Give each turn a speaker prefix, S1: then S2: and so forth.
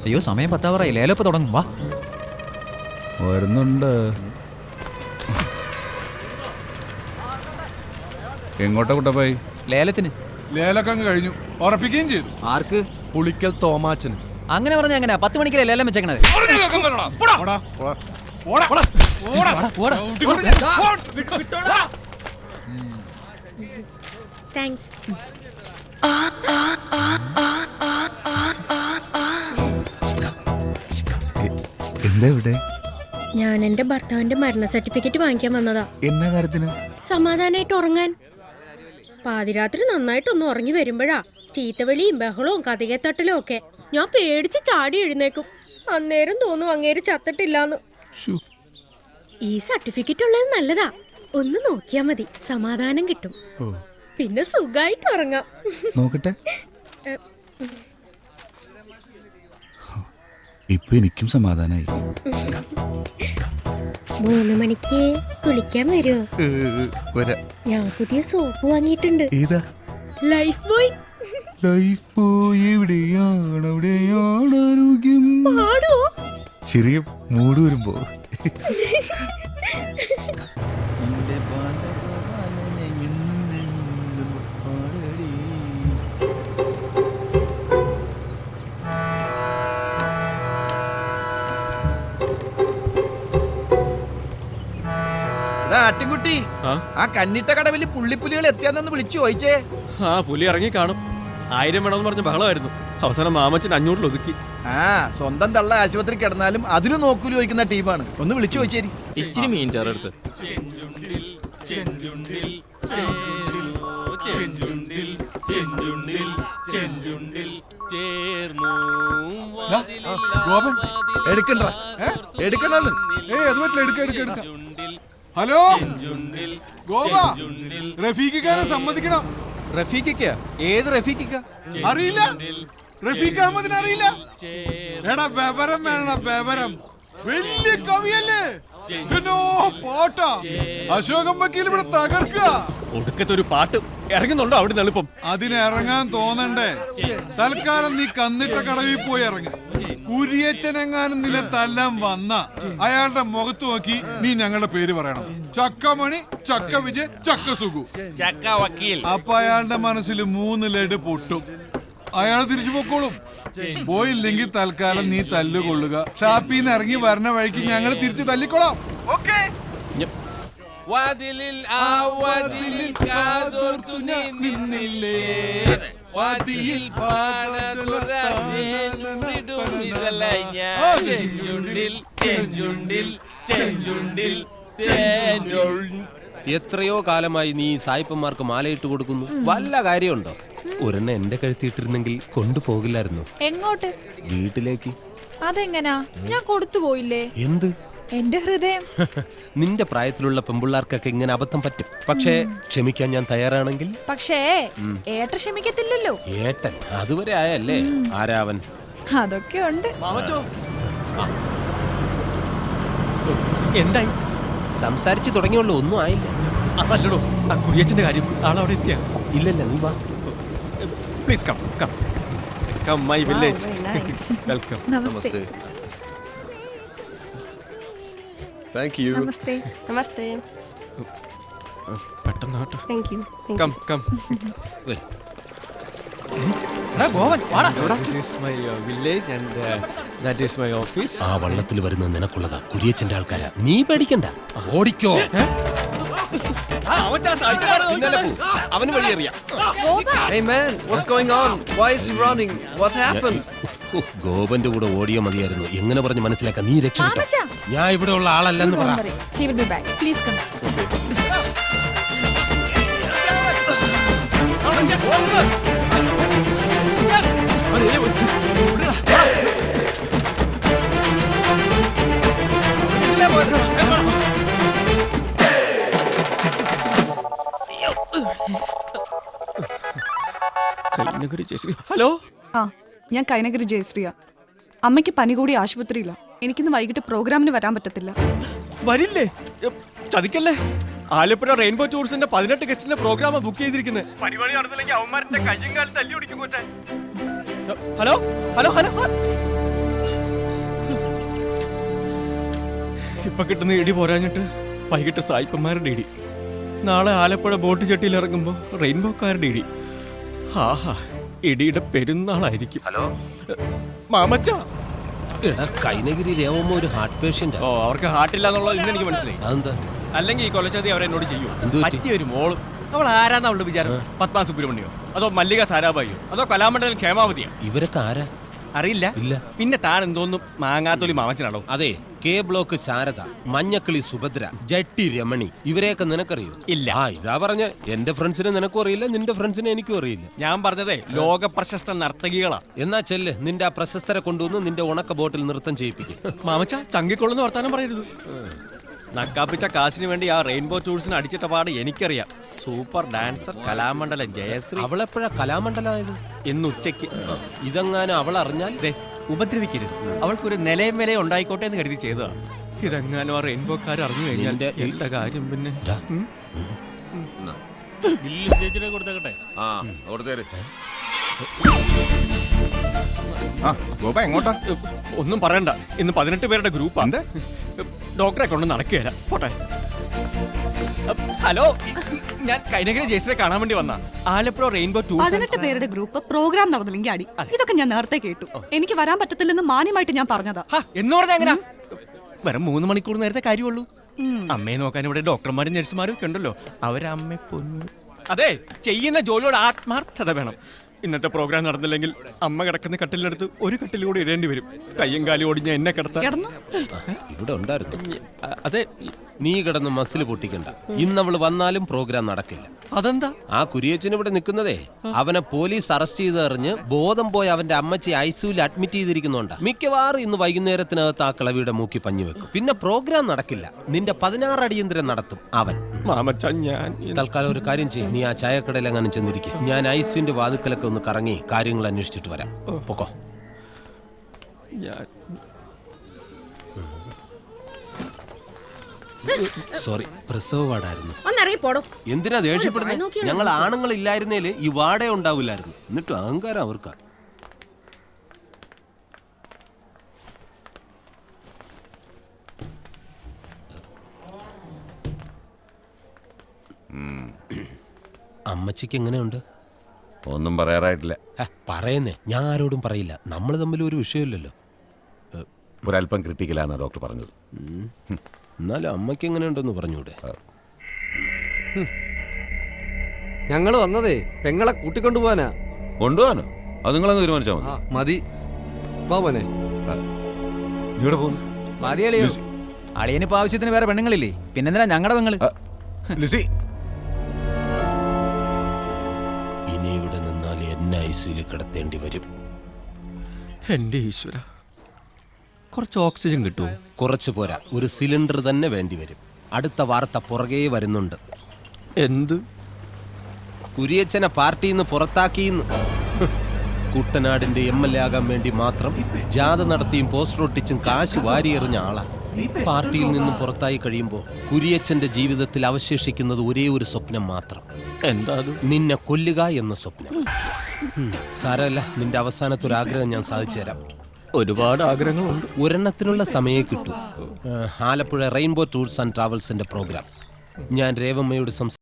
S1: അയ്യോ സമയം 10 ലേലപ്പ് തുടങ്ങും. വാ
S2: വരുന്നുണ്ട്. എങ്ങോട്ടാ കുട്ടപ്പായി?
S1: ലേലത്തിന്.
S3: ലേലൊക്കെ അങ്ങ് കഴിഞ്ഞു, ഉറപ്പിക്കുകയും ചെയ്തു.
S1: ആർക്ക്?
S4: പുളിക്കൽ തോമാച്ചന്.
S1: അങ്ങനെ പറഞ്ഞ എങ്ങനെ 10 മണിക്കല്ലേ ലേലം വെച്ചേക്കണത്?
S5: താങ്ക്സ്.
S2: എന്താ ഇവിടെ?
S5: ഞാൻ എന്റെ ഭർത്താവിന്റെ മരണ സർട്ടിഫിക്കറ്റ് വാങ്ങിക്കാൻ വന്നതാ.
S2: എന്നാ കാര്യത്തിന്?
S5: സമാധാനായിട്ട് ഉറങ്ങാൻ. പാതിരാത്രി നന്നായിട്ടൊന്ന് ഉറങ്ങി വരുമ്പോഴാ ചീത്തവിളിയും ബഹളവും കതികത്തട്ടലും ഒക്കെ. ഞാൻ പേടിച്ച് ചാടി എഴുന്നേക്കും. അന്നേരം തോന്നും അങ്ങേര് ചത്തിട്ടില്ലാന്ന്. ഈ സർട്ടിഫിക്കറ്റ് ഉള്ളത് നല്ലതാ. ഒന്ന് നോക്കിയാ മതി, സമാധാനം കിട്ടും. പിന്നെ സുഖായിട്ട് ഉറങ്ങാം.
S2: നോക്കട്ടെ. ഇപ്പൊ എനിക്കും സമാധാനായി.
S5: 3 മണിക്ക് കുളിക്കാൻ വരുമോ? ഞാൻ പുതിയ സോപ്പ് വാങ്ങിയിട്ടുണ്ട്.
S2: ഏതാ?
S5: Life boy.
S2: ലൈഫ് ബോയ് എവിടെയാണ് അവിടെയാണ് ആരോഗ്യം.
S5: പാടുവോ?
S2: ചെറിയ മൂട് വരുമ്പോ.
S4: ആട്ടിൻകുട്ടി, ആ കന്നിട്ട കടവില് പുള്ളിപ്പുലികൾ എത്തിയാന്ന് വിളിച്ചു ചോദിച്ചേ.
S6: ആ പുലി ഇറങ്ങി കാണും. 1000 വേണമെന്ന് പറഞ്ഞ ബഹളമായിരുന്നു. അവസാനം മാമച്ചൻ 500 ഒതുക്കി.
S4: ആ സ്വന്തം തള്ള ആശുപത്രി കിടന്നാലും അതിന് നോക്കൂലി ചോദിക്കുന്ന ടീമാണ്. ഒന്ന് വിളിച്ചു ചോദിച്ചേരി.
S6: ഇച്ചിരി മീൻ ചേർത്ത്
S3: ഗോപൻ
S4: എടുക്കണ്ട എടുക്കണ്ടെന്ന്.
S3: അത് പറ്റില്ല, എടുക്ക. ഹലോ ഗോപ, റഫീഖിക്കാരെ സമ്മതിക്കണം.
S4: റഫീഖിക്ക? ഏത് റഫീഖിക്ക?
S3: അറിയില്ല? റഫീഖ് അഹമ്മദിനെ അറിയില്ല? എടാ ബബരം വേണം, ബബരം. വലിയ കവിയല്ലേ? പാട്ടാ. അശോകം വക്കീൽ ഇവിടെ തകർക്കുക.
S6: ഒടുക്കത്തെ ഒരു പാട്ട് ഇറങ്ങുന്നുണ്ടോ അവിടെ എളുപ്പം?
S3: അതിന് ഇറങ്ങാൻ തോന്നണ്ടേ? തൽക്കാലം നീ കന്നിട്ട കടവിൽ പോയി ഇറങ്ങ. കുരിയച്ചനെങ്ങാനും നില തല്ലാൻ വന്ന അയാളുടെ മുഖത്ത് നോക്കി നീ ഞങ്ങളുടെ പേര് പറയണം. ചക്കമണി, ചക്ക വിജയ്, ചക്ക സുഖു,
S6: ചക്ക വക്കീൽ.
S3: അപ്പൊ അയാളുടെ മനസ്സിൽ 3 ലഡ് പൊട്ടും. അയാൾ തിരിച്ചു പൊക്കോളും. പോയില്ലെങ്കിൽ തൽക്കാലം നീ തല്ലുകൊള്ളുക. ഷാപ്പിന്ന് ഇറങ്ങി വരണ വഴിക്ക് ഞങ്ങൾ തിരിച്ചു തല്ലിക്കൊള്ളാം.
S6: വാതിലിൽ ആ വാതിലിൽ കാതോർത്തു നീ നിന്നില്ലേ, വാതിലിൽ
S7: എത്രയോ കാലമായി നീ സായിപ്പന്മാർക്ക് മാലയിട്ട് കൊടുക്കുന്നു. വല്ല കാര്യമുണ്ടോ? ഒരെണ്ണം എന്റെ കഴുത്തിയിട്ടിരുന്നെങ്കിൽ കൊണ്ടുപോകില്ലായിരുന്നു.
S8: എങ്ങോട്ട്?
S7: വീട്ടിലേക്ക്.
S8: അതെങ്ങനാ? ഞാൻ കൊടുത്തു പോയില്ലേ?
S7: എന്ത്?
S8: എന്റെ ഹൃദയം.
S7: നിന്റെ പ്രായത്തിലുള്ള പെമ്പിള്ളാർക്കൊക്കെ ഇങ്ങനെ അബദ്ധം പറ്റും. പക്ഷേ ക്ഷമിക്കാൻ ഞാൻ തയ്യാറാണെങ്കിൽ.
S8: പക്ഷേ ഏട്ടൻ ക്ഷമിക്കത്തില്ലല്ലോ.
S7: ഏട്ടൻ അതുവരെ ആയല്ലേ? ആരാവൻ?
S8: അതൊക്കെ ഉണ്ട്.
S6: എന്തായി?
S7: സംസാരിച്ചു തുടങ്ങിയുള്ളൂ, ഒന്നും ആയില്ല.
S6: അതല്ലടോ ആ കുരിയച്ചന്റെ കാര്യം. ആളവിടെ എത്തിയാ?
S7: ഇല്ലല്ല, നീ വാ.
S6: Please come come come my village. Welcome.
S8: നമസ്തേ.
S6: Thank you.
S8: നമസ്തേ.
S5: നമസ്തേ.
S6: പെട്ടെന്ന് കേട്ടോ.
S5: Thank you.
S6: Come come.
S1: ഗോവൻ വാടാ.
S6: This is my village and that is my office.
S7: ആ വള്ളത്തിൽ വരുന്നത് നിനക്കുള്ളതാ. കുരിയച്ചന്റെ ആൾക്കാരാ. നീ പേടിക്കണ്ട, ഓടിക്കോ. അവന് വഴിയറിയാം.
S9: Hey man, what's going on? Why is he running? What happened?
S7: ഗോപന്റെ കൂടെ ഓടിയോ മതിയായിരുന്നു. എങ്ങനെ പറഞ്ഞ് മനസ്സിലാക്കാൻ? നീ രക്ഷപ്പെട്ടോ.
S8: മാമച്ചാ.
S7: ഞാൻ ഇവിടെ ഉള്ള ആളല്ലെന്ന് പറ.
S8: He will be back. Please come.
S6: Hello,
S10: ഞാൻ കൈനഗിരി ജയശ്രീയ. അമ്മയ്ക്ക് പനി കൂടി ആശുപത്രിയില്ല. എനിക്കിന്ന് വൈകിട്ട് പ്രോഗ്രാമിന് വരാൻ പറ്റത്തില്ല.
S6: വരില്ലേ? ചതിക്കല്ലേ. ആലപ്പുഴ റെയിൻബോ ടൂറിസ്റ്റിന്റെ 18 ഗസ്റ്റിന്റെ പ്രോഗ്രാം ബുക്ക് ചെയ്തിരിക്കുന്നത്. Hello hello hello. ഇപ്പൊ കിട്ടുന്ന ഇടി പോരാഞ്ഞിട്ട് വൈകിട്ട് സായിപ്പന്മാരുടെ ഇടി, നാളെ ആലപ്പുഴ ബോട്ട് ചെട്ടിയിൽ ഇറങ്ങുമ്പോ റെയിൻബോക്കാരുടെ ഇടി. ആഹാ, ഇടിയുടെ പെരുന്നാളായിരിക്കും. ഹലോ മാമച്ച.
S7: എടാ കൈനഗിരി രേവമ്മ ഒരു ഹാർട്ട് പേഷ്യന്റ്.
S6: ഓ, അവർക്ക് ഹാർട്ടില്ല എന്നുള്ളത് ഇന്ന് എനിക്ക് മനസ്സിലായി.
S7: അതെന്താ?
S6: അല്ലെങ്കിൽ ഈ കൊലച്ചതി അവരെന്നോട് ചെയ്യും.
S7: എന്ത് പറ്റി?
S6: പറ്റിയൊരു മോളും. അവൾ ആരാന്ന് അവളുടെ വിചാരം? പത്മ സുബ്രഹ്മണ്യോ, അതോ മല്ലിക സാരാഭായിയോ, അതോ കലാമണ്ഡലം ക്ഷേമാവതിയോ?
S7: ഇവരൊക്കെ ആരാ?
S6: അറിയില്ല.
S7: ഇല്ല.
S6: പിന്നെ താൻ എന്തോന്നും മാങ്ങാത്തൊലി മാമച്ചനാണോ?
S7: അതെ, കെ ബ്ലോക്ക് ശാരദ, മഞ്ഞക്കിളി സുഭദ്ര, ജട്ടി രമണി, ഇവരെയൊക്കെ നിനക്കറിയോ?
S6: ഇല്ല.
S7: ആ ഇതാ പറഞ്ഞ എന്റെ ഫ്രണ്ട്സിനെ നിനക്കും അറിയില്ല, നിന്റെ ഫ്രണ്ട്സിനെ എനിക്കും അറിയില്ല.
S6: ഞാൻ പറഞ്ഞതേ ലോക പ്രശസ്ത നർത്തകികളാ.
S7: എന്നാ ചെല്ല്, നിന്റെ ആ പ്രശസ്തരെ കൊണ്ടുവന്ന് നിന്റെ ഉണക്ക ബോട്ടിൽ നൃത്തം ചെയ്യിപ്പിക്കും.
S6: മാമച്ച ചങ്കിക്കൊള്ളുന്ന വർത്താനം പറയരുത്. നക്കാപ്പിച്ച കാശിന് വേണ്ടി ആ റെയിൻബോ ടൂൾസിന് അടിച്ചിട്ട പാട് എനിക്കറിയാം. Super dancer Kalamandalam Jayashree.
S7: അവളെപ്പോഴാ കലാമണ്ഡലമായത്?
S6: ഇന്ന് ഉച്ചയ്ക്ക്.
S7: ഇതെങ്ങാനും അവൾ അറിഞ്ഞാൽ
S6: ഉപദ്രവിക്കരുത്. അവൾക്കൊരു നിലയും വിലയും ഉണ്ടായിക്കോട്ടെ എന്ന് കരുതി ചെയ്തതാ. ഇതെങ്ങാനും ആ റെയിൻബോക്കാർ അറിഞ്ഞു കഴിഞ്ഞാൽ എന്റെ കാര്യം പിന്നെ.
S2: എങ്ങോട്ടാ?
S6: ഒന്നും പറയണ്ട, ഇന്ന് 18 പേരുടെ ഗ്രൂപ്പാ. ഡോക്ടറെ കൊണ്ട് നടക്കുകയല്ല. പോട്ടെ. ഹലോ, ഞാൻ കൈനഗിരി ജയശ്രീയെ കാണാൻ വേണ്ടി വന്ന ആലപ്പുഴ റെയിൻബോ ടൂർ.
S10: 18 പേരുടെ ഗ്രൂപ്പ് പ്രോഗ്രാം നടന്നില്ലെങ്കിൽ അടി. ഇതൊക്കെ ഞാൻ നേരത്തെ കേട്ടു. എനിക്ക് വരാൻ പറ്റത്തില്ലെന്ന് മാന്യമായിട്ട് ഞാൻ പറഞ്ഞതാ.
S6: എന്ന് പറഞ്ഞാ എങ്ങനാ? വെറും 3 മണിക്കൂർ നേരത്തെ കാര്യമുള്ളൂ. അമ്മയെ നോക്കാൻ ഇവിടെ ഡോക്ടർമാരും നഴ്സുമാരും ഒക്കെ ഉണ്ടല്ലോ. അവരമ്മ പൊന്നു. അതെ, ചെയ്യുന്ന ജോലിയോട് ആത്മാർത്ഥത വേണം. ഇന്നത്തെ പ്രോഗ്രാം നടന്നില്ലെങ്കിൽ അമ്മ കിടക്കുന്ന കട്ടിലിനടുത്ത് ഒരു കട്ടിൽ കൂടി ഇടേണ്ടി വരും. കയ്യും കാലും ഓടിഞ്ഞ എന്നെ കിടത്താൻ.
S7: ഇവിടെ ഉണ്ടായിരുന്നു.
S6: അതെ,
S7: നീ കിടന്ന് മസിൽ പൊട്ടിക്കണ്ട. ഇന്നവള് വന്നാലും പ്രോഗ്രാം നടക്കില്ല.
S6: അതെന്താ?
S7: ആ കുരിയച്ചൻ ഇവിടെ നിൽക്കുന്നതേ അവനെ പോലീസ് അറസ്റ്റ് ചെയ്തറിഞ്ഞ് ബോധം പോയി അവന്റെ അമ്മച്ചി ഐസിയുയിൽ അഡ്മിറ്റ് ചെയ്തിരിക്കുന്നുണ്ട്. മിക്കവാറും ഇന്ന് വൈകുന്നേരത്തിനകത്ത് ആ കിളവിയുടെ മൂക്കി പഞ്ഞു വെക്കും. പിന്നെ പ്രോഗ്രാം നടക്കില്ല. നിന്റെ 16 അടിയന്തരം നടത്തും അവൻ.
S6: മാമച്ച, ഞാൻ
S7: തൽക്കാലം ഒരു കാര്യം ചെയ്യും. നീ ആ ചായക്കടയിൽ അങ്ങനെ ചെന്നിരിക്കും. ഞാൻ ഐസിയുന്റെ വാതുക്കലൊക്കെ ഒന്ന് കറങ്ങി കാര്യങ്ങൾ അന്വേഷിച്ചിട്ട് വരാം. പൊക്കോ. സോറി, പ്രസവ വാർഡായിരുന്നു.
S5: ഒന്നിറങ്ങി പോടോ.
S7: എന്തിനാ ദേഷ്യപ്പെടുന്നത്? ഞങ്ങൾ ആണുങ്ങൾ ഇല്ലായിരുന്നേല് ഈ വാടേ ഉണ്ടാവില്ലായിരുന്നു. എന്നിട്ട് അഹങ്കാരം അവർക്കാ. അമ്മച്ചിക്ക് എങ്ങനെയുണ്ട്?
S2: ഒന്നും പറയാറായിട്ടില്ല.
S7: പറയുന്നേ, ഞാൻ ആരോടും പറയില്ല. നമ്മൾ തമ്മിൽ ഒരു വിഷയമില്ലല്ലോ.
S2: ഒരല്പം ക്രിട്ടിക്കലാണ് ഡോക്ടർ പറഞ്ഞത്.
S7: എന്നാലും അമ്മയ്ക്ക് എങ്ങനെയുണ്ടെന്ന് പറഞ്ഞൂടെ?
S9: ഞങ്ങൾ വന്നതേ പെങ്ങളെ കൂട്ടിക്കൊണ്ടുപോവാനാ.
S2: കൊണ്ടുപോകാനോ? അത് നിങ്ങളങ്ങ് തീരുമാനിച്ചാൽ മതി.
S9: മതി, വാ മോനെ.
S2: ഇവിടെ പോകുന്നു.
S1: മതിയളിയോ? അളിയനിപ്പോ ആവശ്യത്തിന് വേറെ പെണ്ണുങ്ങളില്ലേ? പിന്നെന്തിനാ ഞങ്ങളുടെ പെങ്ങള്?
S2: ലിസി,
S7: ഇനി ഇവിടെ നിന്നാൽ എന്നെ ഐസിയിൽ കിടത്തേണ്ടി വരും.
S6: എന്റെ ഈശ്വര, കുറച്ച് ഓക്സിജൻ കിട്ടുമോ?
S7: കുറച്ചു പോരാ, ഒരു സിലിണ്ടർ തന്നെ വേണ്ടി വരും. അടുത്ത വാർത്ത പുറകെ വരുന്നുണ്ട്.
S6: എന്ത്?
S7: കുരിയച്ചനെ പാർട്ടിയിൽ നിന്ന് പുറത്താക്കിയെന്ന്. കുട്ടനാടിന്റെ MLA ആകാൻ വേണ്ടി മാത്രം ജാഥ നടത്തിയും പോസ്റ്റർ ഒട്ടിച്ചും കാശ് വാരിയെറിഞ്ഞ ആളാ. പാർട്ടിയിൽ നിന്നും പുറത്തായി കഴിയുമ്പോൾ കുരിയച്ചന്റെ ജീവിതത്തിൽ അവശേഷിക്കുന്നത് ഒരേ ഒരു സ്വപ്നം മാത്രം.
S6: എന്താ അത്?
S7: നിന്നെ കൊല്ലുക എന്ന സ്വപ്നം. സാരമല്ല, നിന്റെ അവസാനത്തെ ഒരു ആഗ്രഹം ഞാൻ സാധിച്ചു തരാം.
S6: ഒരുപാട് ആഗ്രഹങ്ങളുണ്ട്.
S7: ഒരെണ്ണത്തിനുള്ള സമയം കിട്ടും. ആലപ്പുഴ റെയിൻബോ ടൂർസ് ആൻഡ് ട്രാവൽസിന്റെ പ്രോഗ്രാം. ഞാൻ രേവമ്മയോട്